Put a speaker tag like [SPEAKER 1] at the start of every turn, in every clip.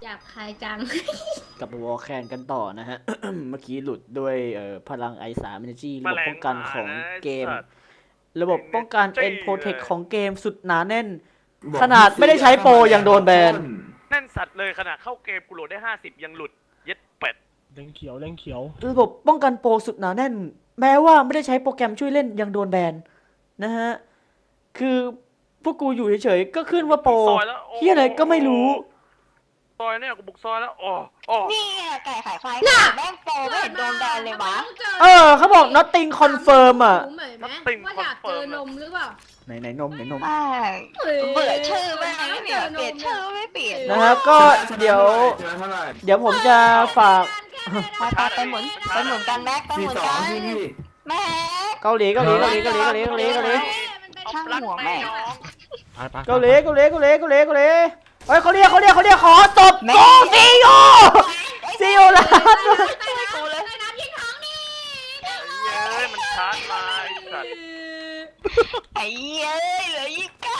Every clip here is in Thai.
[SPEAKER 1] จับใครจัง
[SPEAKER 2] กลับมาวอลแคนกันต่อนะฮะ เมื่อกี้หลุดด้วยพลังไอสามเอเนจีระบบป้องกันของเกม ระบบป้องกันเอ็นโปรเทคของเกมสุดหนาแน่น ขนาดไม่ได้ใช้โปรยังโดนแบน
[SPEAKER 3] แน่นสัตว์เลยขนาดเข้าเกมกูโหลดได้50ยังหลุดเย็ดเป็ด
[SPEAKER 4] เล่งเขียวเล่งเขียว
[SPEAKER 2] ระบบป้องกันโปรสุดหนาแน่น แม้ว่าไม่ได้ใช้โปรแกรมช่วยเล่นยังโดนแบนนะฮะคือพวกกูอยู่เฉยๆก็ขึ้นว่าโปรเฮียอะไรก็ไม่รู้
[SPEAKER 3] ซอยเนี่ยกูบุกซอยแล้วโอ้
[SPEAKER 5] นี่ไก่ขายไฟแม่งโปรไม่เห็นโดนแบนเลยวะ
[SPEAKER 2] เขาบอก nothing confirm อ่ะ
[SPEAKER 1] ว่าอยากเจอนมหรือเปล่า
[SPEAKER 2] ไหนนม
[SPEAKER 5] เบื่อชื่อแม่งเนี่ยเปลี่ยนชื่อไม่เปลี่ยน
[SPEAKER 2] นะครับก็เดี๋ยวผมจะฝาก
[SPEAKER 5] ไปหมุนกันแม็กไปหมุนกันแม่
[SPEAKER 2] เกาหลีช่างหัวแม่เกาหลีเฮ้ยเขาเรียกขอตบโกซีโอลา
[SPEAKER 3] มันชาร์จมาไอ้สัตว์
[SPEAKER 5] ไอ้เย้ยเหลือ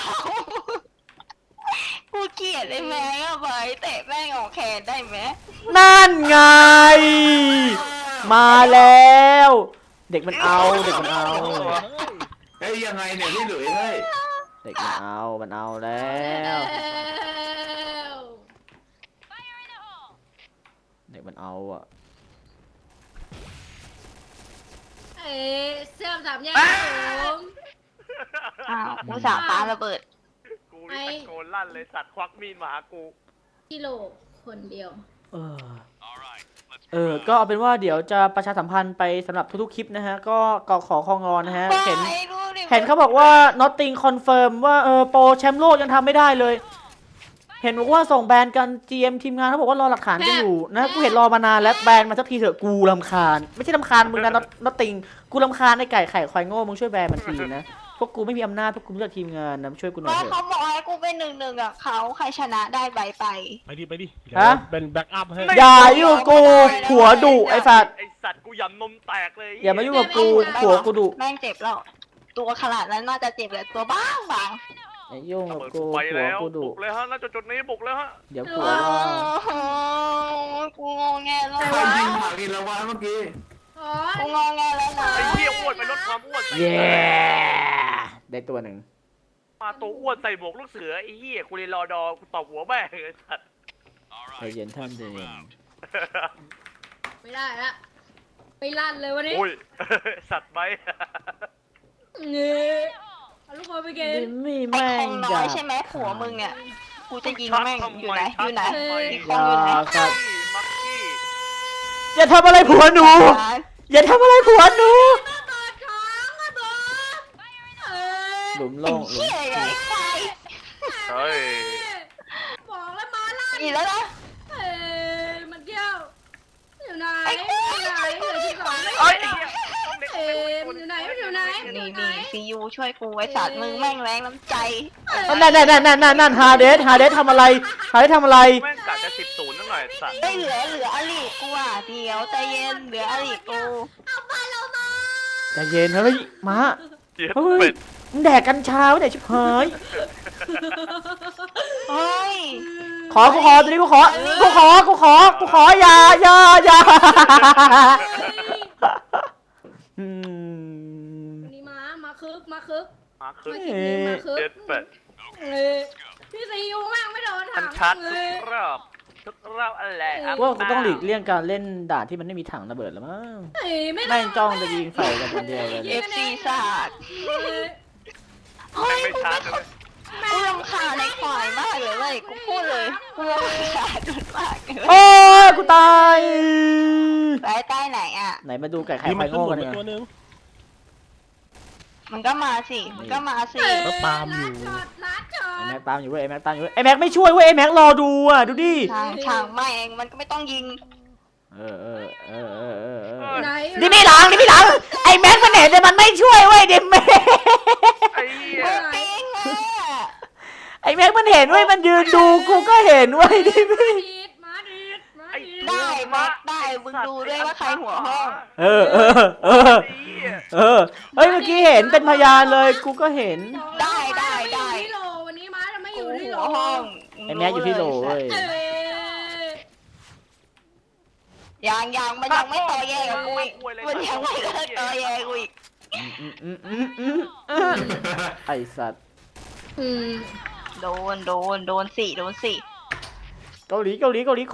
[SPEAKER 5] 29กูเกลียดได้ไหมอะไปเตะแม่งออกแขนได้ไหม
[SPEAKER 2] นั่นไงมาแล้วเด็กมันเอา
[SPEAKER 6] เฮ้ยยังไงเนี่ยพี่หลุยเฮ้ย
[SPEAKER 2] เด็กมันเอาแล้วเด็กมันเอาอ่ะ
[SPEAKER 1] เสื้อสามแยกผม
[SPEAKER 5] กูสาปาระเบิด
[SPEAKER 3] กูตะโกนลั่นเลยสัตว์ควักมีดมาหากู
[SPEAKER 1] กิโลคนเดียว
[SPEAKER 2] ก็เอาเป็นว่าเดี๋ยวจะประชาสัมพันธ์ไปสำหรับทุกๆคลิปนะฮะก็ขอของอนนะฮะเห็นเขาบอกว่า nothing confirm ว่าโปรแชมป์โลกยังทำไม่ได้เลยเห็นบอกว่าส่งแบนกัน GM ทีมงานเขาบอกว่ารอหลักฐานกันอยู่นะกูเห็นรอมานานแล้วแบนมาสักทีเถอะกูรำคาญไม่ใช่รำคาญมึงนะ nothing กูรำคาญไอ้ไก่ไข่ควายโง่มึงช่วยแบนมันทีนะพวกกูไม่มีอำนาจพวกกูรู้จักทีมงานนะช่วยกูหน่อยเถอะ
[SPEAKER 5] เขาบอกให้กูเป็น1-1กับเขาใครชนะได้ใบไป
[SPEAKER 4] ดิ
[SPEAKER 2] ฮะ
[SPEAKER 4] เป็นแบ็กอัพให้
[SPEAKER 2] อย่ายุ่งกูผัวดุไอ้สัตว์
[SPEAKER 3] กูยำนมแตกเลย
[SPEAKER 2] อย่ามายุ่งกับกูผัวกูดุ
[SPEAKER 5] แม่งเจ็บแล้วตัวขนาดนั้นน่าจะเจ็บเลยตัวบ้าง
[SPEAKER 2] ไอ้ยุ่งกับกูผัวกูดุ
[SPEAKER 3] บุกเลยฮะณจุดนี้บุกแล้วฮะ
[SPEAKER 2] เดี๋ยวผัว
[SPEAKER 5] กูงงแงแล้ว
[SPEAKER 6] ใครยิงผักกินละวันเมื่อกี้
[SPEAKER 5] กูงงแงแล้วนะ
[SPEAKER 3] ไอ้เหี้ยอ้วนไปลดความอ้วน
[SPEAKER 2] เย้ได้ตัวหนึ่ง
[SPEAKER 3] มาตัวอ้วนใส่หมวกลูกเสือไอ้เหี้ยกูเลยรอดอกูตบหัวแม่ไอ้สัตว์
[SPEAKER 2] ใจเย็นท่านเย็น
[SPEAKER 1] ไม่ได้ละไปลั่นเลยวันนี้
[SPEAKER 3] โอ้ยสัตว์ไหม
[SPEAKER 1] เนี่ยลูกบอลไปเกม
[SPEAKER 2] ไม่แม่ง
[SPEAKER 5] น้อยใช่ไหมผัวมึงเนี่ยกูจะยิงแม่งอยู่ไหนอีกคนอยู่ไหน
[SPEAKER 2] อย่าทำอะไรผัวหนูอย่าทำอะไรผัวหนูหลุมโล่งหลุม
[SPEAKER 3] เฮ้ย
[SPEAKER 1] บอกแล้วมาลั่น
[SPEAKER 5] อีกแล้วนะ
[SPEAKER 1] มันเที่ยวอยู่ไหนอยู่ที่ก่อนมันอยู่ไหน
[SPEAKER 5] นี่ซียูช่วยกูไอ้สัตว์มึงแม่งแรงน้ำใจ
[SPEAKER 2] นั่นฮาเดสทำอะไรแ
[SPEAKER 3] ม่งกะจะ10-0นั่นหน่อยสัตว์
[SPEAKER 5] ไม่เหลืออลีกกูอ่ะเดี๋ยวใจเย็นเหลืออลีกกู
[SPEAKER 1] เอาไปเรามา
[SPEAKER 2] ใจเย็นเฮ้ยมา
[SPEAKER 3] เฮ้ย
[SPEAKER 2] มึงแดกกัญชาไว้ไหนชิบหาย
[SPEAKER 5] เฮ้ย
[SPEAKER 2] กูขอตัวนี้กูขออย่า
[SPEAKER 1] นี่มาคึก
[SPEAKER 3] เด็ดเป็ด
[SPEAKER 1] พี่ซียูมากไม่โดนถัง
[SPEAKER 3] ชัดทุกรอบอะไร
[SPEAKER 2] ว่ากูต้องหลีกเลี่ยงการเล่นด่านที่มันไม่มีถังระเบิดแล้วมั้งแม่งจ้องจะยิงใส่กันคนเดียวเลย
[SPEAKER 5] FC ศาสตร์
[SPEAKER 3] ไม่ชัดเลย
[SPEAKER 5] กูรำคาญในควายมากเลยเว้ยกูพูดเลยกูรำคาญมาก
[SPEAKER 2] โอ้ยกูตาย
[SPEAKER 5] ไปใต้ไหนอ่ะ
[SPEAKER 2] ไหนมาดูไก่ไข่ไฟโง่กัน
[SPEAKER 4] เนี่ย
[SPEAKER 5] มันก็มาสิ
[SPEAKER 4] ก็ตามอยู่
[SPEAKER 2] ไอแม็กตามอยู่เว้ยไอแม็กไม่ช่วยเว้ยไอแม็กรอดูอ่ะดูดิ
[SPEAKER 5] ช่างไม่เองมันก็ไม่ต้องยิง
[SPEAKER 2] นี่ไม่หลังไอแม็กมันเห็นแต่มันไม่ช่วยเว้ยเดมแม็กไอแม็กมันเห็นเว้ยมันยืนดูกูก็เห็นเว้ยดิ
[SPEAKER 5] ได้มึงดูด้วยว่าใครหัวห้อง
[SPEAKER 2] เฮ้ยเมื่อกี้เห็นเป็นพยานเลยกูก็เห็น
[SPEAKER 5] ได้
[SPEAKER 1] ที่โลวันนี้ม้าจะไม่อยู่ที่โล
[SPEAKER 5] ห้อง
[SPEAKER 2] ไอแม็กอยู่ที่โลเว้ย
[SPEAKER 5] ยังมันยังไม่ต่อแย่กับกูอีกมันยังไม่เลิกต่อแย่กูอีก
[SPEAKER 2] ไอสัตว์
[SPEAKER 1] อืม
[SPEAKER 5] โดนสี่
[SPEAKER 2] เกาหลีโคเรีย
[SPEAKER 1] เฮ้ย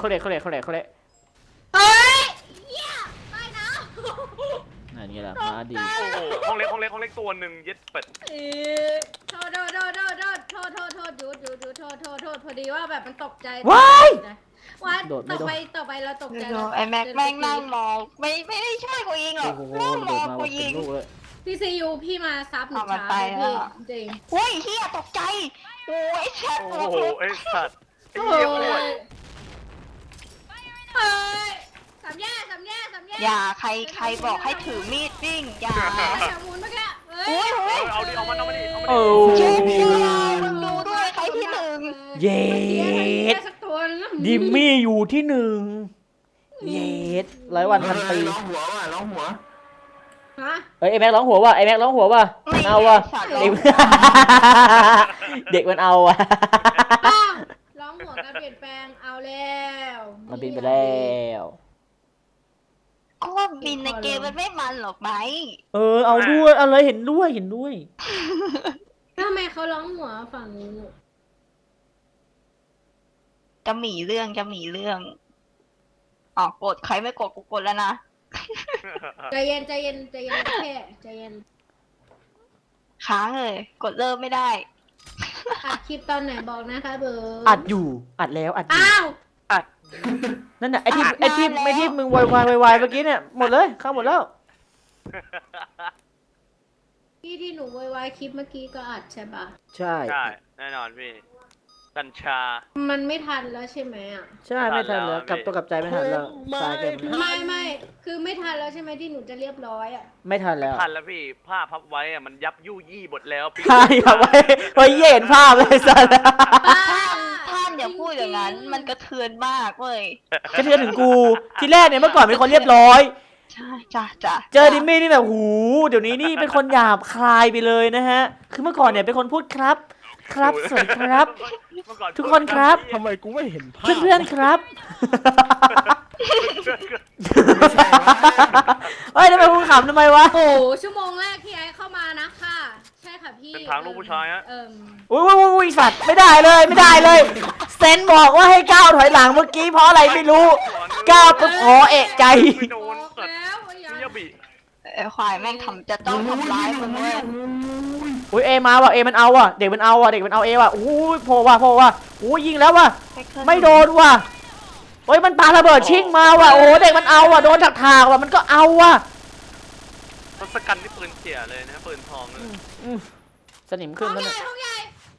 [SPEAKER 1] เหี้ยไปนะ
[SPEAKER 2] นั่นไงล่ะมาดี
[SPEAKER 3] โอ้โหห้องเล็กตัวหนึ่งเย็ดเป็ด
[SPEAKER 1] โทษหยุดพอดีว่าแบบมันตกใจ
[SPEAKER 2] ว้าย
[SPEAKER 1] ว่า
[SPEAKER 2] โดดไม่
[SPEAKER 1] ต่อ
[SPEAKER 2] โดด
[SPEAKER 1] ไปเราตกใจ
[SPEAKER 5] ไอ้แม็กแม่งนั่งมองไม่ได้ช่วยกูยิงหรอก
[SPEAKER 2] โอ้โห
[SPEAKER 5] นั่งม
[SPEAKER 2] โด
[SPEAKER 5] อ
[SPEAKER 2] ด
[SPEAKER 5] ง
[SPEAKER 2] มา
[SPEAKER 5] กู
[SPEAKER 2] ว่าเป็
[SPEAKER 5] ยิ
[SPEAKER 2] น
[SPEAKER 5] ง
[SPEAKER 2] ลูกเลย
[SPEAKER 1] พี่ซียูพี่มาซับหนู
[SPEAKER 5] เอามา
[SPEAKER 1] ช้า
[SPEAKER 5] ไป
[SPEAKER 1] เลย
[SPEAKER 5] แล้ว
[SPEAKER 1] พี่จริง
[SPEAKER 5] โอ้ยเฮียตกใจโอ้ยแชท
[SPEAKER 3] โอ้โหไอ้สัตว์ไอ้
[SPEAKER 1] โอ้
[SPEAKER 3] เหี้ยอ้วน
[SPEAKER 1] ยเฮ้ยสามแยก
[SPEAKER 5] อย่าใครบอกให้ถือมีดวิ่งอย่า
[SPEAKER 1] แถวมูลเมื่อกี้เฮ้ย
[SPEAKER 3] เอาดิเอามาดิ
[SPEAKER 2] โอ้
[SPEAKER 5] เช็คเลยมึงดูด้วยใครที่หนึ่ง
[SPEAKER 2] เย็ด
[SPEAKER 1] สักตัวนึง
[SPEAKER 2] ดิมมี่อยู่ที่หนึ่งเย็ด100 วัน ปี
[SPEAKER 6] ร้องหัวว่ะร้องหัว
[SPEAKER 1] ฮะ
[SPEAKER 2] เอ้ยไอแม็กร้องหัวว่ะไอแม็กร้องหัวว่ะ
[SPEAKER 5] ไม่
[SPEAKER 2] เอาว่ะ
[SPEAKER 5] สัตว์
[SPEAKER 2] เด็ก เด็กมันเอาว่ะ
[SPEAKER 1] ป้าร้องหัวการเปลี่ยนแปลงเอาแล้ว
[SPEAKER 2] มันบินไปแล้ว
[SPEAKER 5] ก็ว่าบินในเกมมันไม่มันหรอกไหม
[SPEAKER 2] เอาด้วยเอาเลยเห็นด้วย
[SPEAKER 1] ทำไมเขาร้องหัวฝั่งนู้น
[SPEAKER 5] จะหมีเรื่องอ๋อกดใครไม่กดกูกดแล้วนะ
[SPEAKER 1] ใจเย็นแค่ใจเย็น
[SPEAKER 5] ค้างเลย กดเริ่มไม่ได้
[SPEAKER 1] อัดคลิปตอนไหนบอกนะคะเบอร์
[SPEAKER 2] อัดอยู่อัดแล้วอัดอยู่
[SPEAKER 1] อ้าว
[SPEAKER 2] นั่นน่ะไอที่
[SPEAKER 5] อัดนานแล้ว
[SPEAKER 2] ไม่ที่มึงวายเมื่อกี้เนี่ยหมดเลยเข้าหมดแล้ว
[SPEAKER 1] ที่หนูวายคลิปเมื่อกี้ก็อัดใช่ปะ
[SPEAKER 2] ใช่
[SPEAKER 3] ใช่แน่นอนพี่กัญชา
[SPEAKER 1] มันไม่ทันแล้วใช่ไหมอ่ะ
[SPEAKER 2] ใช่ไม่ทันแล้ว
[SPEAKER 3] ทันแล้ว
[SPEAKER 2] กลับตัวกลับใจไม่ทันแล้วตายเกิน
[SPEAKER 1] ไม่คือไม่ทันแล้วใช่ไหมที่หนูจะเรียบร้อยอ่ะ
[SPEAKER 2] ไม่ทันแล้ว
[SPEAKER 3] ทันแล้วพี่ผ้าพับไว้อะมันยับยู่ยี่หมดแล้วพี่
[SPEAKER 2] ใช่ครับไว้เห็นภาพเลยสัส
[SPEAKER 5] ท่านอย่าพูดอย่างนั้น มันกระเทือนมากเว้ย
[SPEAKER 2] กระเทือนถึงกูทีแรกเนี่ยเมื่อก่อนเป็นคนเรียบร้อย
[SPEAKER 5] ใช่จ้ะ
[SPEAKER 2] เจอดิมมี่นี่แบบหูเดี๋ยวนี้นี่เป็นคนหยาบคายไปเลยนะฮะ คือเมื่อก่อนเนี่ยเป็นคนพูดครับ สวัสดีครับ
[SPEAKER 3] เมื่อก่อ
[SPEAKER 2] ทุกคนครับ
[SPEAKER 4] ทำไมกูไม่เห็นภาพ
[SPEAKER 2] เพื่อนๆครับเฮ้ยทำไมมึงขำทำไมวะ
[SPEAKER 1] โอ้ชั่วโมงแรกที่ไอ้เข้ามานะค่ะ ใช่ค่ะพี่
[SPEAKER 3] เป็นทางลูกผู้ชายฮะ
[SPEAKER 2] อุ้ยสัตว์ไม่ได้เลยเซนบอกว่าให้ก้าวถอยหลังเมื่อกี้เพราะอะไรไม่รู้ก้าวปุ๊บอ๋อเอะใจ
[SPEAKER 3] ไม่โดน
[SPEAKER 1] บอก
[SPEAKER 3] สัตว์
[SPEAKER 1] แล้วว่าอย่า
[SPEAKER 3] มิยาบิ
[SPEAKER 5] ไอ้ควายแม่งจะต้องทำร้ายมึงเว้ย
[SPEAKER 2] อุ้ยเอมาว่ะเอมันเอาว่ะเด็กมันเอาว่ะเด็กมันเอาเอว่ะอุ้ยโผล่ว่ะอุ้ยยิงแล้วว่ะไม่โดนว่ะเฮ้ยมันปาระเบิดชิงมาว่ะโอ้เด็กมันเอาว่ะโดนถากว่ะมันก็เอาว่ะ
[SPEAKER 3] ทศกัณฐ์นี่ปืนเสียเลยนะปืนทองเลย
[SPEAKER 2] สนิมขึ้น
[SPEAKER 1] ห้
[SPEAKER 2] แล้ว
[SPEAKER 1] องให
[SPEAKER 2] เนี่ย
[SPEAKER 1] ญ่ห้องใหญ่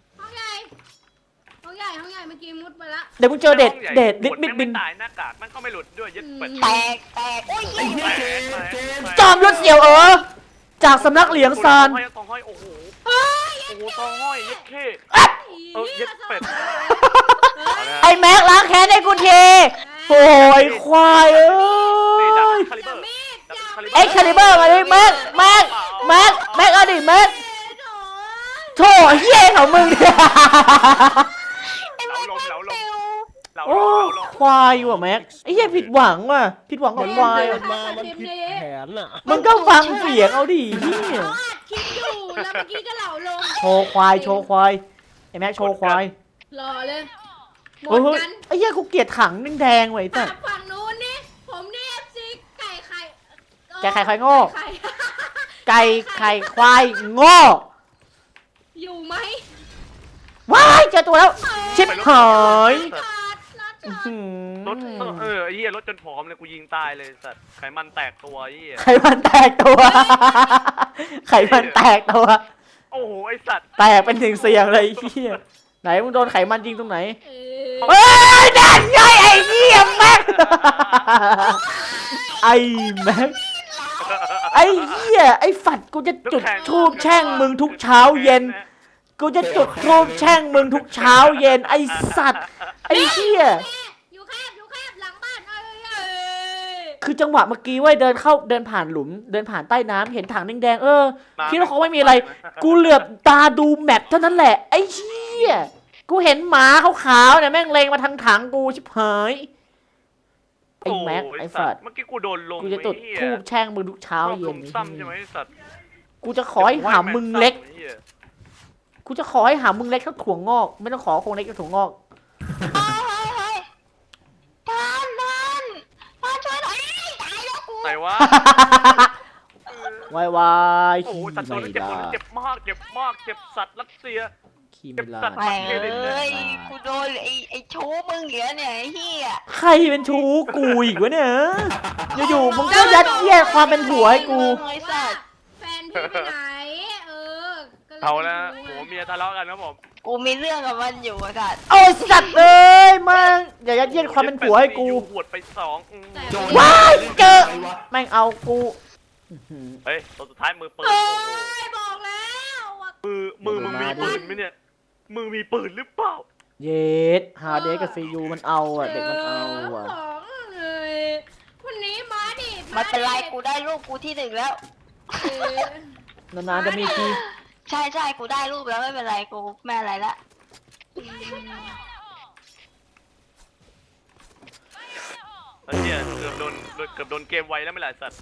[SPEAKER 1] เมื่อกี้มุดไปละ
[SPEAKER 2] เดี๋ยวมึงเจอเด็ดลิดบิดบิน
[SPEAKER 3] ตายหน้ากากมันก็ไม่หลุดด้วยยึดเป็ด
[SPEAKER 5] แตกโอ้ยเหี้ย
[SPEAKER 2] จอมยุทธเสี่ยวจากสำนักเหลียงซาน
[SPEAKER 3] ตองห้อยโอ้โหตองห้อยยึดเข้ยึดเป็ด
[SPEAKER 2] ไอ้แม็กล้างแค้นให้กูทีโอ้ยควายเอ้
[SPEAKER 3] นี่ดับ
[SPEAKER 2] ย
[SPEAKER 3] คาลิเบอร์
[SPEAKER 2] ไอ้คาลิเบอร์มาดิแม็กเอาดิแม็กโถ่เหี้ยของมึงเนี่ย
[SPEAKER 3] เหลาลม
[SPEAKER 2] โอ้ควายว่ะแม็กไอ้เหี้ยผิดหวังว่ะผิดหวังกับควาย
[SPEAKER 4] เดินมามันผิดแผนอ่ะ
[SPEAKER 2] มึงก็ฟังเสียงเอาดิเหี้ย
[SPEAKER 1] เขาอัดคลิปอยู่แล้วเมื่อกี้ก็เหล่าลง
[SPEAKER 2] โชว์ควายไอ้แม็กโชว์ควาย
[SPEAKER 1] หล่อเลยหม
[SPEAKER 2] เฮ้
[SPEAKER 1] ด
[SPEAKER 2] ย
[SPEAKER 1] กัน
[SPEAKER 2] ไอ้เหี้ยกูเกลียดถังแดงๆไว้แต่
[SPEAKER 1] ฝั่งนู้นนี่ผมนี่ FC ไก่ไข่
[SPEAKER 2] ไก่ไข่โง่
[SPEAKER 1] ไข่
[SPEAKER 2] ไก่ไข่ควายโง่
[SPEAKER 1] อยู่ไหม
[SPEAKER 2] ว้ายเจอตัวแล้ว ชิบหาย
[SPEAKER 3] รถไอ้เหี้ยรถจนผอมเลยกูยิงตายเลยสัตว์ไขมันแตกตัวไอ้เหี้ย
[SPEAKER 2] ไขมันแตกตัว
[SPEAKER 3] โอ้โหไอ้สัตว์
[SPEAKER 2] แตกเป็นเสียงเลยไอ้เหี้ยไหนมึงโดนไขมันยิงตรงไหน
[SPEAKER 1] เออ
[SPEAKER 2] เฮ้ยนั่นไงไอ้เหี้ยแม็กไอ้แม็กไอ้เหี้ยไอ้ฝัดกูจะจุดทูบแช่งมึงทุกเช้าเย็น กูจะจุดทูบแช่งมึงทุกเช้าเย็นไอ้สัตว์ไอ้เหี้ย
[SPEAKER 1] อยู่แคบหลังบ้านเอ้ย
[SPEAKER 2] คือจังหวะเมื่อกี้เว้ยเดินผ่านหลุมเดินผ่านใต้น้ำเห็นถังแดงๆคิดว่าเขาไม่มีอะไร กูเหลือบตาดูแมปเท่านั้นแหละไอ้เหี้ยกูเห็นหมาขาวๆเนี่ยแม่งเลงมาทางถังกูชิบหายไอ้แม็กไอ้สัตว์
[SPEAKER 3] เมื่อกี้กูโดนลง
[SPEAKER 2] กูจะจุดธูปแช่งมึงทุกเช้า
[SPEAKER 3] ชอบ
[SPEAKER 2] เย็
[SPEAKER 3] ลุ
[SPEAKER 2] น
[SPEAKER 3] มซ้ำใช่ไหมไอ้สัตว์
[SPEAKER 2] กูจะขอให้หามึงเล็ก กูจะขอให้หามึงเล็กเท่าถั่วงอก ไม่ต้องขอคงเล็กเท่าถั่วงอก
[SPEAKER 5] เฮ้ยท่านช่วยหน่อยตายแล้วกู
[SPEAKER 3] ไหนวะ
[SPEAKER 2] วายวาย
[SPEAKER 3] โอ้โห
[SPEAKER 2] ขี้
[SPEAKER 3] สัตว์ตัว
[SPEAKER 2] ไม่
[SPEAKER 3] นี้เจ็บ
[SPEAKER 2] ได้
[SPEAKER 3] ตัวนี้เจ็บมากเจ็บมากเจ็บสัตว์รัสเซีย
[SPEAKER 2] ขี้ไม่ได้
[SPEAKER 5] ไปเลยกูโดนไอ้ชูมึงเหลือเนี่ยไอ้เหี้ย
[SPEAKER 2] ใครเป็นชู้กูอีกวะเนี่ยอยู่ๆมึงก็ยัดเยียดความเป็นผัวให้กู
[SPEAKER 5] ไอ้สัตว์
[SPEAKER 1] แฟนพี่ไปไหนก็เลย
[SPEAKER 3] เอาละ
[SPEAKER 1] ไม่
[SPEAKER 3] โห
[SPEAKER 1] รู้
[SPEAKER 3] เมียทะเลาะกันครับผม
[SPEAKER 5] กูมีเรื่องกับมันอยู่ไอ้สัตว์
[SPEAKER 2] โอ้ยสัตว์เอ้ยมึงอย่ายัดเยียดความเป็นผัวให้กู
[SPEAKER 3] หวดไป2
[SPEAKER 1] แต่
[SPEAKER 6] โดน
[SPEAKER 2] ว้ายเจอ แม่งเอากูอื้อหือ
[SPEAKER 3] เฮ้ยตัวสุดท้ายมือปืน
[SPEAKER 1] โอ้
[SPEAKER 3] โอ้โห
[SPEAKER 1] ยบอกแล้วว่า
[SPEAKER 3] มือมึงมีปืนไหมเนี่ยมือมีปืนหรือเปล่า
[SPEAKER 2] เยสฮาเดสกับซียูมันเอาอ่ะเด็กมันเอาอ่ะ
[SPEAKER 1] ของเลยวันนี้มาดิ
[SPEAKER 5] มันเป็นไรกูได้ลูกกูที่ 1แล้ว
[SPEAKER 2] นานๆจะมีที
[SPEAKER 5] ใช่กูได้รูปแล้วไม่เป็นไรกูแม่อะไรละ
[SPEAKER 3] ไอ้เหี้ยเกือบโดนเกมไวแล้วไม่หลายสัตว์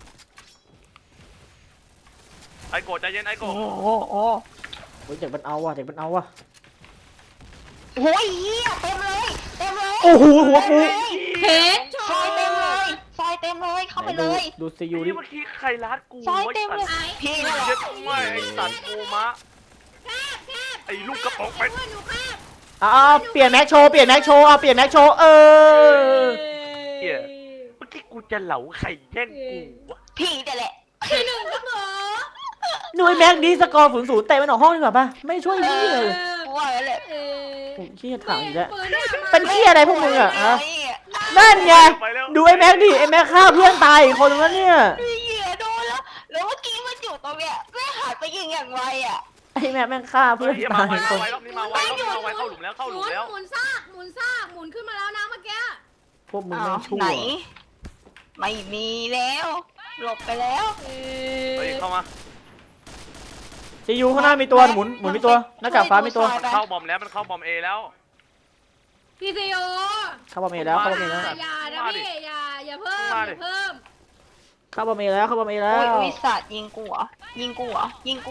[SPEAKER 3] ไอ้โกรธใจเย็นไอ้โกรธ
[SPEAKER 5] โอ้โห
[SPEAKER 2] เฮ้ยเด็กมันเอาอ่ะเด็กมันเอาอ่ะ
[SPEAKER 5] โอ้ยเหี้ยเต็มเลย
[SPEAKER 2] โอ้โหหัวกู
[SPEAKER 1] เพชร
[SPEAKER 5] ซอยเต็มเลยเข้าไปเลย
[SPEAKER 2] ดูซี
[SPEAKER 3] ไอ้
[SPEAKER 2] ยู
[SPEAKER 3] นี่
[SPEAKER 2] ดิ
[SPEAKER 3] เมื่อกี้ใครรัดกู
[SPEAKER 5] ซอย
[SPEAKER 3] ไอ้
[SPEAKER 5] เต็ม
[SPEAKER 3] สัต
[SPEAKER 5] เลย
[SPEAKER 3] ว์
[SPEAKER 5] พี่นั่นแหละ
[SPEAKER 3] เย็ดไม่ไอ้สัตว์โกมะ ไอ้ลูกกระป๋องไป
[SPEAKER 1] เพื่อนหนูแคบ
[SPEAKER 2] เปลี่ยนแม็กโชว์เปลี่ยนแม็กโชว์เอาเปลี่ยนแม็กโชว์
[SPEAKER 3] เหี้ยเมื่อกี้กูจะเหลาไข่แย่งกูวะ
[SPEAKER 5] พี่แต่แหละ
[SPEAKER 1] ที่1ครับผม
[SPEAKER 2] หน่วยแม็กดีสกอร์0-0เตะมันออกห้องดีกว่าป่ะไม่ช่วยนี่เลย
[SPEAKER 5] กูว่าแล้วแหละ
[SPEAKER 2] โอ้ยเหี้ยถามอีกแล้ว
[SPEAKER 1] ปืนเนี่ยมา
[SPEAKER 2] เป็นเหี้ยอะไรพวกมึงอ่ะฮะ
[SPEAKER 5] ไอ้เหี้ย
[SPEAKER 2] นั่นไง
[SPEAKER 3] ไปแล้ว
[SPEAKER 2] ดูไอ้แม็กดิไอ้แม็กฆ่าเพื่อนตายอีกคนนึงแล้วเนี่ย
[SPEAKER 5] ไอ้เหี้ยโดนแล้วเมื่อกี้มันอยู่ตรงเนี้ยแม่หันไปยิงอย่างไวอ่ะ
[SPEAKER 2] ไอ้แม็กแม่งฆ่า
[SPEAKER 3] เฮ้
[SPEAKER 2] เพื่อย น
[SPEAKER 3] เหี้ย
[SPEAKER 2] ตา
[SPEAKER 3] มาย ไว
[SPEAKER 2] อีกคน
[SPEAKER 3] รอบนี้มาไวเข้าหลุมแล้วเข้าหลุมแล้ว
[SPEAKER 1] หมุนซากหมุนขึ้นมาแล้วนะเมื่อกี้
[SPEAKER 2] พวกมึงแม่งชั่ว
[SPEAKER 5] ไหน ไม่มีแล้ว หลบไปแล้ว
[SPEAKER 3] เฮ้ยเข้ามา
[SPEAKER 2] ซียูข้างหน้ามีตัวหมุนมีตัวหน้ากากฟ้ามีตัว
[SPEAKER 3] เข้าบอมแล้วมันเข้าบอมเอแล้ว
[SPEAKER 1] พี่ซีโอ
[SPEAKER 2] เข้าบอมเอแล้วเข้าบอมเอแล้ว
[SPEAKER 1] อย่านะพี่อย่าเพิ่ม
[SPEAKER 3] มาดิ
[SPEAKER 1] อย่าเพิ่ม
[SPEAKER 2] เข้าบอมเอแล้วเข้าบอมเอแล้
[SPEAKER 5] โอ้ยว อุ้ยสัตว์ยิงกูเหรอยิงกูเหรอ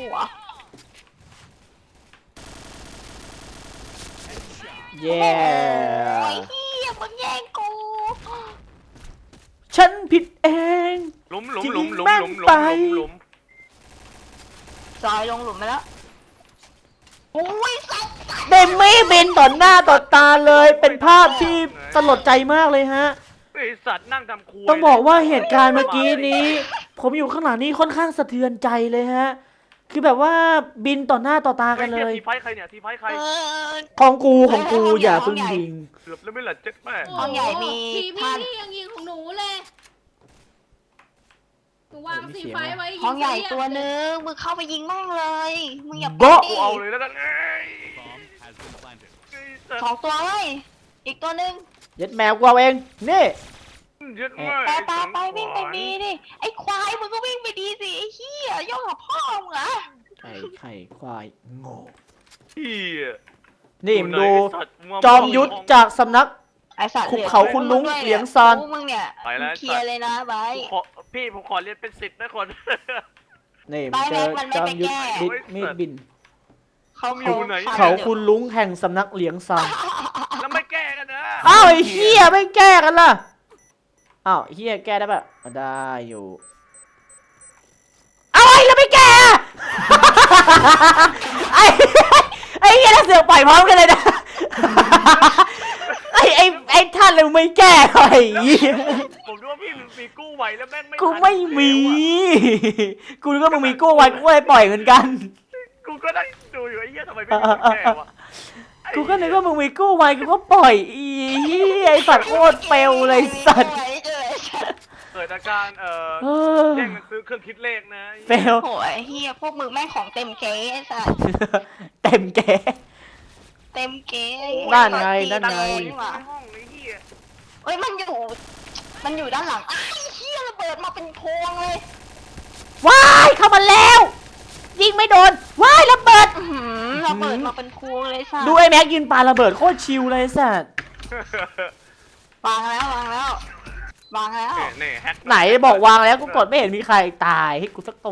[SPEAKER 2] เย้
[SPEAKER 5] โอ้ยเฮียมึงแย่งกู
[SPEAKER 2] ฉันผิดเอง
[SPEAKER 3] หลุม
[SPEAKER 5] ซอยลงหลุมไปแล้วโอ้ยสัตว์
[SPEAKER 2] เดมี่บินต่อหน้าต่อตาเลยเป็นภาพที่สลดใจมากเลยฮะ
[SPEAKER 3] ไอ้สัตว์นั่งทำครัว
[SPEAKER 2] ต้องบอกว่าเหตุการณ์เมื่อกี้นี้ ผมอยู่ข้างหลังนี้ค่อนข้างสะเทือนใจเลยฮะ คือแบบว่าบินต่อหน้าต่อตากันเลย
[SPEAKER 3] ทีไฟใครเนี่ยทีไฟใคร
[SPEAKER 2] ของกูอย่าเพิ่งยิง
[SPEAKER 3] เกือบแล้วไม่หลัดเจ็ดแม่
[SPEAKER 5] ห้องใหญ่มี
[SPEAKER 1] ที
[SPEAKER 5] ท่าน
[SPEAKER 1] พี่ยังยิงของหนูเลยหนูวางสีไฟไว้ยิ
[SPEAKER 5] ห้องใหญ่ตัวนึงมึงเข้าไปยิงแม่งเลยมึงอย่า
[SPEAKER 2] โบ๊ะ
[SPEAKER 3] กูเอาเลยแล้วกันเอ้ย
[SPEAKER 5] สองตัวเลยอีกตัวนึง
[SPEAKER 2] เย็ดแมวกูเอาเองนี่
[SPEAKER 3] เจ็ดแม่
[SPEAKER 5] ไปวิ่งไปดีดิไอ้ควายมึงก็วิ่งไปดีสิไอ้เหี้ยย่องกับพ่อมึงเหรอ
[SPEAKER 2] ไข่ควายโง่
[SPEAKER 3] เฮีย
[SPEAKER 2] นี่มึงดูจอมยุทธจากสำนัก
[SPEAKER 5] ไอ้สัตว์
[SPEAKER 2] ขุบเขาคุณลุงเหลียงซาน
[SPEAKER 5] มึงเนี่ยเคลียร์เลยนะไบ
[SPEAKER 3] พี่ผมขอเรียนเป็น10นะคน
[SPEAKER 2] นี่มึงเจอจอมยุทธดิดมีดบิน เขาคุณลุงแห่งสำนักเหลียงซาน
[SPEAKER 3] แล้วไม่แก้กันนะ
[SPEAKER 2] อ้าวไอ้เหี้ยไม่แก้กันล่ะอ้าวไอ้เหี้ยแก้ได้ปะได้อยู่เอาไอ้แล้วไม่แก้อะไอ้เหี้ยแล้วเสือกปล่อยพร้อมกันเลยนะไอ้ท่านเลยไม่แก้ไอ้เหี้ย
[SPEAKER 3] ผมดูว่าพี่มีกู้ไหวแล้วแม่งไม่
[SPEAKER 2] กูไม่มีกูนึกว่ามึงมีกู้ไว้กูก็เลยปล่อยเหมือนกัน
[SPEAKER 3] กูก็ได้ดูอยู่ไอ้เหี้ยทำไมไม่มีแก้วะ
[SPEAKER 2] กูก็นึกว่ามึงมีกู้ไว้กูก็ปล่อยอีเหี้ยไอ้สัตว์โคตรเปลวเลยสัตว์
[SPEAKER 3] เกิดอาการแย่งกันซื้อเครื่องคิดเลขนะ
[SPEAKER 2] เปลว
[SPEAKER 5] โอ้ยเฮียพวกมึงแม่งของเต็มเก๊ไอ้สัส
[SPEAKER 2] เต็มแก
[SPEAKER 5] เต็มเก๊
[SPEAKER 2] นั่นไงนั่นไง
[SPEAKER 3] ในห้องไอ้เหี้ย
[SPEAKER 5] เอ้ยมันอยู่ด้านหลังไอ้เฮียระเบิดมาเป็นพวงเลย
[SPEAKER 2] ว้ายเข้ามาแล้ว ยิงไม่โดนว้ายระเบิด
[SPEAKER 5] ระเบิดมาเป็นพวงเลยสัส
[SPEAKER 2] ดูไอ้แม็กยืนปาระเบิดโคตรชิลเลยสัตว์
[SPEAKER 5] วางแล้ววางแล้ว
[SPEAKER 3] นี่แฮก
[SPEAKER 2] ไหนบอกวางแล้วกูกดไม่เห็นมีใครตายให้กูสักตัว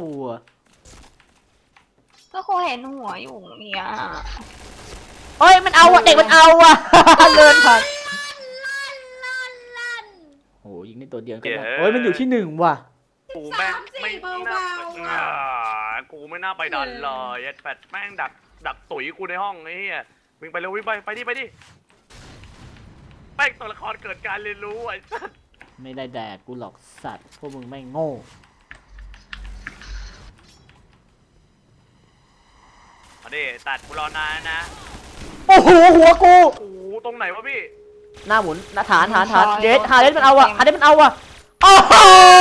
[SPEAKER 5] ก็คงเห็นหัวอยู่เนี่ย
[SPEAKER 2] เอ้ยมันเอาอ่ะเด็กมันเอาอ่ะ เดินผ่าน
[SPEAKER 1] ลั่น
[SPEAKER 2] โอ้ยิงได้ตัวเดียวก็ได้โอ้ยมันอยู่ที่หนึ่งว่ะ
[SPEAKER 3] กูแม่ง
[SPEAKER 1] 3-4
[SPEAKER 3] ไม่
[SPEAKER 1] เบา
[SPEAKER 3] น่า
[SPEAKER 1] ๆ
[SPEAKER 3] อ่ากูไม่น่าไปดันเลยแปดแม่งดักตุ๋ยกูในห้องไอ้เหี้ยวิ่งไปเร็ววิ่งไปดิแม่งตัวละครเกิดการเรียนรู้ไอ้สัส
[SPEAKER 2] ไม่ได้แดกกูหรอกสัตว์พวกมึงไม่งโง่
[SPEAKER 3] มาดิตัดกูรอนานนะ
[SPEAKER 2] โอ้โหหัวกู
[SPEAKER 3] โอ้โหตรงไหนวะพี่
[SPEAKER 2] หน้าหมุนหน้าฐานเดสมันเอาอ่ะฮาเดสมันเอาอ่ะโอ้โห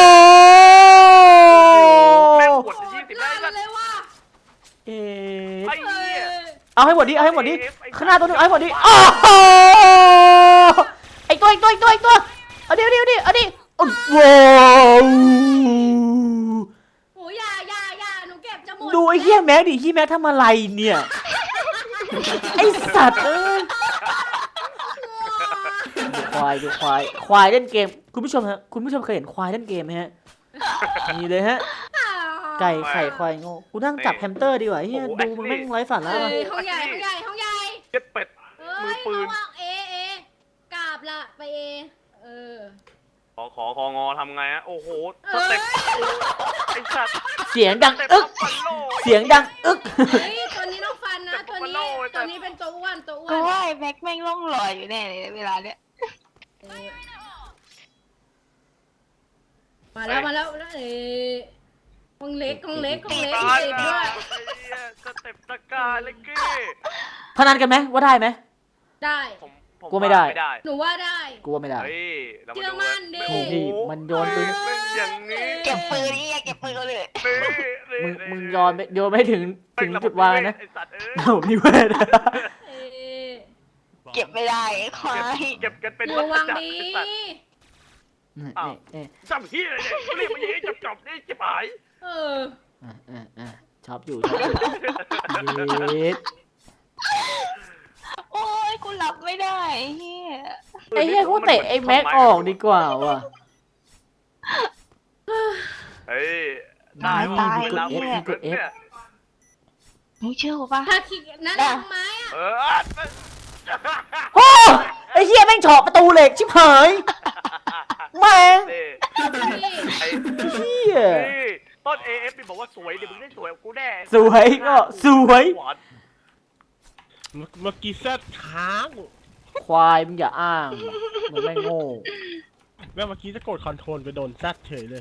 [SPEAKER 3] แม่งปวด20ได้
[SPEAKER 1] ลั่
[SPEAKER 3] สั
[SPEAKER 1] น
[SPEAKER 3] ส
[SPEAKER 1] เลยว่ะ
[SPEAKER 2] เอ๊ะ
[SPEAKER 3] ไอ้เหี้ย
[SPEAKER 2] เอาให้หมดดิข้างหน้าตัวนึงเอาให้หมดดิโอ้โหไอตัวเอาดิโอ้โห
[SPEAKER 1] โอ้ยอย่าหนูเก็บจะหมด
[SPEAKER 2] ดูไอ้เหี้ยแม็กดิเหี้ยแม็กทำอะไรเนี่ยไอสัตว์เอ้ยดูควายเล่นเกมคุณผู้ชมฮะคุณผู้ชมเคยเห็นควายเล่นเกมไหมฮะนี่เลยฮะไก่ไข่ควายโง่กูนั่งจับแฮมสเตอร์ดีกว่าเฮียดูมึงแม่งไร้สาระ
[SPEAKER 1] เอ้
[SPEAKER 2] ว่ะ
[SPEAKER 1] ยห้องใหญ่
[SPEAKER 3] เจ็ดเป็ด
[SPEAKER 1] เอ้ย
[SPEAKER 3] มือปืน
[SPEAKER 1] ระวังกราบละไปเออ
[SPEAKER 3] ของอทำไงอะโอ้โหสเต็ปไอ้สัตว์
[SPEAKER 2] เสียงดัง
[SPEAKER 3] สเต็ป
[SPEAKER 2] อึก
[SPEAKER 3] ฟันโล
[SPEAKER 2] เสียงดังอึก
[SPEAKER 1] เฮ้ยตัวนี้ต้องฟันนะตัวนี้เป็นตัวอ้วน
[SPEAKER 5] ก็ว่าไอ้แม็กแม่งล่องลอยอยู่แน่เลยเวลาเนี้ย
[SPEAKER 1] เออมาแล้วห้องเล็ก
[SPEAKER 3] ตา
[SPEAKER 1] ติ
[SPEAKER 3] ย
[SPEAKER 1] ดด้วย
[SPEAKER 3] สเต็ปตะการเลยกี้
[SPEAKER 2] พนันกันไหมว่าได้ไหม
[SPEAKER 1] ได้
[SPEAKER 3] ผม
[SPEAKER 2] กูไม่ได้
[SPEAKER 1] หนูว่าได้
[SPEAKER 2] กูว่าไม่ได้
[SPEAKER 3] เฮ้ยเรามา
[SPEAKER 1] เชื่อ
[SPEAKER 3] ดู
[SPEAKER 1] มั่นดิ
[SPEAKER 2] โอ้โหมันโยนปืน
[SPEAKER 3] เล่นอย่างนี้
[SPEAKER 5] เก็บปืนนี่เก็บปืนเลย
[SPEAKER 2] มึงโยนไม่ถึงจุดวางนะ
[SPEAKER 3] ไอ้สัตว์เอ้ย
[SPEAKER 2] โอ้นี่เว้ย
[SPEAKER 1] เอ้ย
[SPEAKER 5] เก็บไม่ได้ไอ้ควาย
[SPEAKER 3] เก็บกันเป็น
[SPEAKER 1] ระวัง
[SPEAKER 3] จักร
[SPEAKER 1] ดี
[SPEAKER 3] ไอ้สัตว์จำเฮียเลยเรียกมาอย่างนี้จบนี่จะหาย
[SPEAKER 1] เออ
[SPEAKER 2] ชอบอยู่เย็ด
[SPEAKER 5] โอ้ยกูหลับไม่ได้ไอ้เฮีย
[SPEAKER 2] ไอ้เหี้ยกูเตะไอ้แม็กออกดีกว่าว่ะ
[SPEAKER 3] เฮ้ยตายว่ะเวลาคุยกันเนี่ย
[SPEAKER 5] มึงเชื่อกูปะ
[SPEAKER 1] ถ้าคิดนั่นทำไมอ่ะ
[SPEAKER 3] เออ
[SPEAKER 2] โอ้ไอ้เหี้ยแม่งเฉาะประตูเหล็กชิบหายแม่ง
[SPEAKER 3] นี่ไอ้
[SPEAKER 2] เหี้ย
[SPEAKER 3] นี่ต้น AF นี่บอกว่าสวยดิมึงได้สวยกูแน่
[SPEAKER 2] สวยก็สวย
[SPEAKER 4] เมื่อกี้แซดค้าง
[SPEAKER 2] ควายมึงอย่าอ้างมึงไม่โง่
[SPEAKER 4] แม่เมื่อกี้จะกดคอนโทรลไปโดนแซดเฉยเลย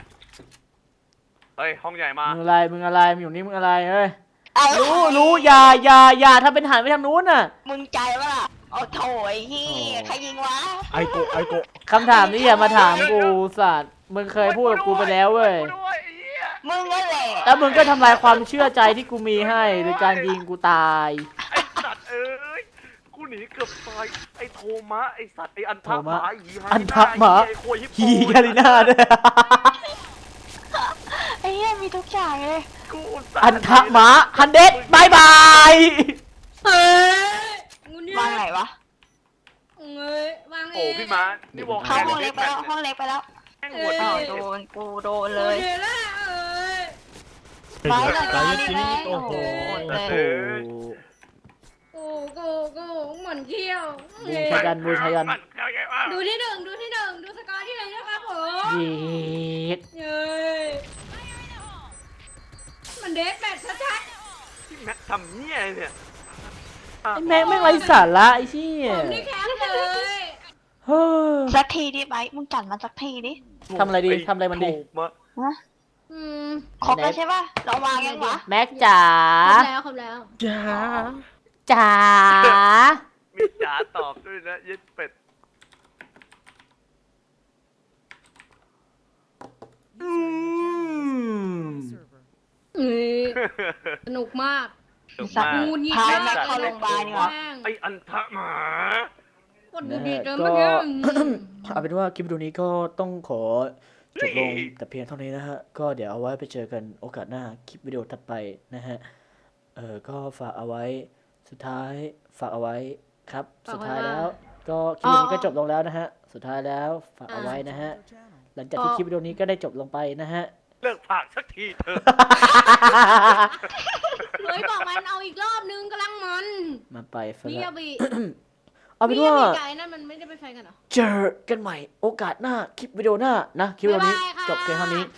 [SPEAKER 3] เฮ้ยห้องใหญ่มา
[SPEAKER 2] มึงอะไรมึงอยู่นี่มึงอะไรเฮ้ยรู้อย่าถ้าเป็นหันไปทางนู้นน่ะ
[SPEAKER 5] มึงใจปะล่ะเอาโถไอ้เฮียใครยิงวะ
[SPEAKER 4] ไอโกะ
[SPEAKER 2] คำถามนี้อย่ามาถามกูสัตว์มึงเคยพูดกับกูไปแล้วเว้ย
[SPEAKER 3] กูด้วยไอ้เหี้ย
[SPEAKER 5] มึงนั่นแหละ
[SPEAKER 2] แล้วมึงก็ทำลายความเชื่อใจที่กูมีให้โดยการยิงกูตาย
[SPEAKER 3] ไอ้สัตว์เอ้ยกูหนีเกือบตายไอ้โทมะไอ้สัตว์ไอ้อันทะหมาหีฮา
[SPEAKER 2] อันทะหมา
[SPEAKER 3] ไอ้โคยิปโป
[SPEAKER 2] ฮีกาลิน่าด้วย
[SPEAKER 5] ไอ้เฮียมีทุกอย่างเลย
[SPEAKER 3] กูสัตว์
[SPEAKER 2] อันทะหมาฮันเดดบายบาย
[SPEAKER 1] เฮ้ยงูเนี่ยว
[SPEAKER 5] างไหนวะ
[SPEAKER 1] เอ้ยวาง
[SPEAKER 3] โอ้พี่ม้านี่วอล
[SPEAKER 5] เข้าห้องเล็กไปแล้วห้องเล็กไปแล้ว
[SPEAKER 3] แม่งหัว
[SPEAKER 5] อ้าว
[SPEAKER 3] ดี
[SPEAKER 5] โดนกูโดนเลย
[SPEAKER 1] เดี๋ยวละเอ้ย
[SPEAKER 5] ไปเลย
[SPEAKER 4] ไกายจริงโอ้โห
[SPEAKER 5] เลย
[SPEAKER 1] กูเหมือนเขี้ยว
[SPEAKER 2] บูชายัน
[SPEAKER 3] มันเข้าใจว่า
[SPEAKER 1] ดูที่หนึ่งดูสกอร์ที่หนึ่งนะครับผม
[SPEAKER 2] เย็ด
[SPEAKER 1] เย้ยมันเด็กแบบชัด
[SPEAKER 3] พี่แม็กทำเนี่ยอะไรเนี่ย
[SPEAKER 2] ไอ้แม็กไม่งไร้สาระไอ้เชี่ย
[SPEAKER 1] ๆผมนี่แคมป์เลย
[SPEAKER 2] เฮ้ย
[SPEAKER 5] สักทีดิไบมึงจัดมาสักทีดิ
[SPEAKER 2] ทำอะไรดีทำอะไรมันดี
[SPEAKER 3] ถูกมะ
[SPEAKER 1] อืม
[SPEAKER 5] ครบแล้วใช่ป่ะเราวางยังวะ
[SPEAKER 2] แม็กจ๋า
[SPEAKER 1] ครบแล้ว
[SPEAKER 4] จ้า
[SPEAKER 2] จ๋า
[SPEAKER 3] มีจ๋าตอบด้วยนะยึดเป็ด
[SPEAKER 2] อืม
[SPEAKER 1] เอ้ยสนุกมาก
[SPEAKER 3] ถูก
[SPEAKER 5] สัต
[SPEAKER 3] มาก
[SPEAKER 5] ว์
[SPEAKER 1] งูยิง
[SPEAKER 5] พาแม็กเข้าโรงพยาบาลดีกว่า
[SPEAKER 1] แม่ง
[SPEAKER 3] ไอ้อันทะหมา
[SPEAKER 1] กดดูดีเกิน
[SPEAKER 2] ก็
[SPEAKER 1] เมื่อกี้
[SPEAKER 2] เอาเป็นว่าคลิปวิดีโอนี้ก็ต้องขอจบลงแต่เพียงเท่านี้นะฮะ ก็เดี๋ยวเอาไว้ไปเจอกันโอกาสหน้าคลิปวิดีโอถัดไปนะฮะ ก็ฝากเอาไว้สุดท้ายฝากเอาไว้ครับ สุดท้ายแล้วก็คลิปวิดีโอนี้ก็จบลงแล้วนะฮะสุดท้ายแล้วฝากเอาไว้นะฮะหลังจากที่คลิปวิดีโอนี้ก็ได้จบลงไปนะฮะ
[SPEAKER 3] เลิกผากสักทีเถอะ
[SPEAKER 1] เลยบอกมันเอาอีกรอบนึงกำลังมัน
[SPEAKER 2] มาไปซะ
[SPEAKER 1] มิ
[SPEAKER 2] แล้
[SPEAKER 1] ยาว บิ
[SPEAKER 2] เอาเป็นว่า
[SPEAKER 1] มิยบิไก่นั่นมันไม่ได้เป็นแฟนกันเหรอ
[SPEAKER 2] เจอกันใหม่โอกาสหน้าคลิปวิดีโอหน้านะคลิปวิดีโอนี้
[SPEAKER 1] บ๊ายบายค่ะ
[SPEAKER 2] จบเพียงเท่านี้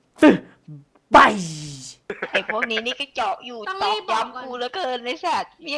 [SPEAKER 2] บาย
[SPEAKER 5] ไอ้พวกนี้นี่ก็เจาะอยู่
[SPEAKER 1] ต้อง
[SPEAKER 5] ตอ
[SPEAKER 1] รี
[SPEAKER 5] ก
[SPEAKER 1] บบอกก่อน
[SPEAKER 5] ย้ำกูเหลือเกินในสัตว์